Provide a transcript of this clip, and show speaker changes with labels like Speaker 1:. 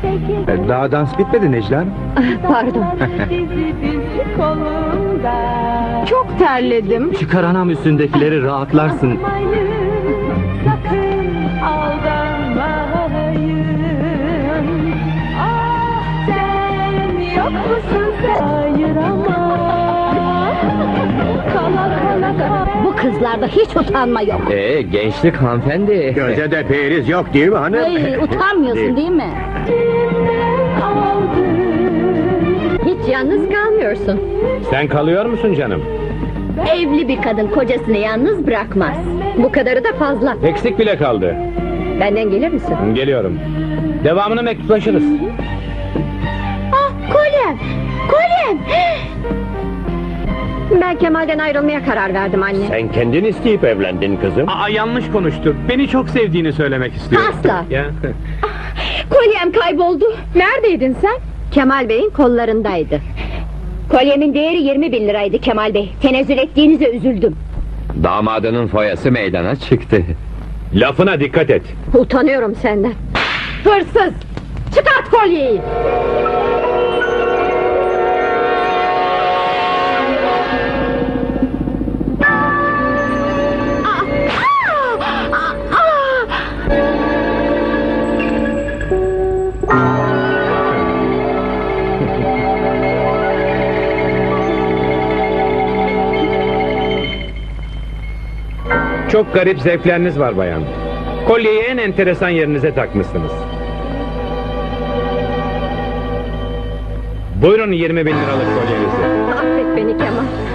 Speaker 1: Daha dans bitmedi Necla Hanım.
Speaker 2: Pardon. Çok terledim.
Speaker 3: Çıkar anam üstündekileri, rahatlarsın.
Speaker 4: Sakın aldanmayın. Ah sen yok musun sen? Hayır ama kala kala kala.
Speaker 2: Bu kızlarda hiç utanma yok.
Speaker 3: Gençlik hanımefendi.
Speaker 1: Göze de periz yok değil mi hanım?
Speaker 2: Ay, utanmıyorsun değil mi? Hiç yalnız kalmıyorsun.
Speaker 3: Sen kalıyor musun canım?
Speaker 2: Evli bir kadın kocasını yalnız bırakmaz. Bu kadarı da fazla.
Speaker 3: Eksik bile kaldı.
Speaker 2: Benden gelir misin?
Speaker 3: Geliyorum. Devamını mektuplaşırız.
Speaker 2: Ah, kolyem! Kolyem! Ben Kemal'den ayrılmaya karar verdim anne.
Speaker 1: Sen kendin isteyip evlendin kızım.
Speaker 3: Aa, yanlış konuştu. Beni çok sevdiğini söylemek istiyor.
Speaker 2: Asla.
Speaker 3: Ya.
Speaker 2: Kolyem kayboldu. Neredeydin sen? Kemal Bey'in kollarındaydı. Kolyemin değeri 20.000 liraydı Kemal Bey. Tenezzül ettiğinize üzüldüm.
Speaker 3: Damadının foyası meydana çıktı. Lafına dikkat et.
Speaker 2: Utanıyorum senden. Hırsız! Çıkart kolyeyi!
Speaker 3: Çok garip zevkleriniz var bayan. Kolyeyi en enteresan yerinize takmışsınız. Buyurun 20.000 liralık kolyenizi.
Speaker 2: Affet beni Kemal.